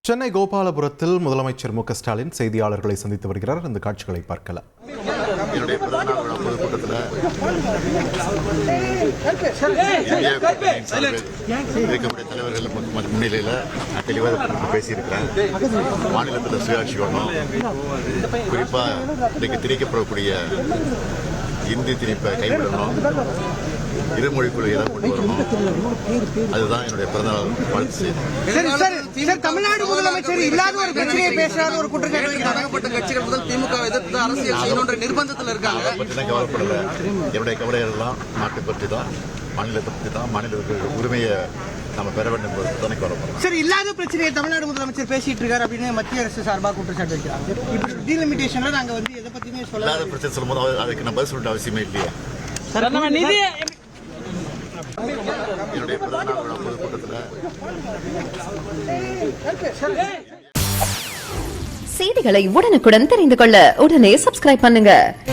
சென்னை கோபாலபுரத்தில் முதலமைச்சர் மு க ஸ்டாலின் செய்தியாளர்களை சந்தித்து வருகிறார். இந்த காட்சிகளை பார்க்கலாம். என்னுடைய பிறந்தநாள் விழா பொதுக்கூட்டத்தில் இருக்கக்கூடிய தலைவர்கள் முன்னிலையில் நான் தெளிவாக பேசியிருக்கிறேன். மாநிலத்தில் சுயாட்சி வேணும், குறிப்பாக இன்றைக்கு திணிக்கப்படக்கூடிய இந்தி திணிப்பை கைவிடணும், இருமொழிக்குழு எதை கொண்டு வரணும், அதுதான் என்னுடைய பிறந்தநாள் வாழ்த்து. தமிழ்நாடு முதலமைச்சர் இல்லாத ஒரு பிரச்சனையை பேசாத ஒரு குற்றச்சாட்டு தொடங்கப்பட்ட கட்சிகள் முதல் திமுக எதிர்த்து அரசியல் செய்யணுன்ற நிர்பந்தத்தில் இருக்காங்க. அதை பற்றி தான் கவலைப்படல. என்னுடைய கவலையெல்லாம் நாட்டை பற்றி தான், மாநிலத்தை பற்றி தான், மாநிலத்துக்கு உரிமையை நம்ம பெற வேண்டும் என்பது தானே கவலைப்படுறோம். சரி, இல்லாத பிரச்சனையை தமிழ்நாடு முதலமைச்சர் பேசிட்டு இருக்காரு அப்படின்னு மத்திய அரசு சார்பாக குற்றச்சாட்டு வைக்கிறாங்க. இப்படி டீலிமிட்டேஷன்ல நாங்க எதை பத்தியுமே சொல்ல இல்லாத பிரச்சனை சொல்லும்போது அதுக்கு நம்ம பதில் சொல்ல அவசியமே இல்லையே. என்னுடைய பிறந்தநாள் விழா பொதுக்கூட்டத்தில் செய்திகளை உடனுக்குடன் தெரிந்து கொள்ள உடனே சப்ஸ்கிரைப் பண்ணுங்க.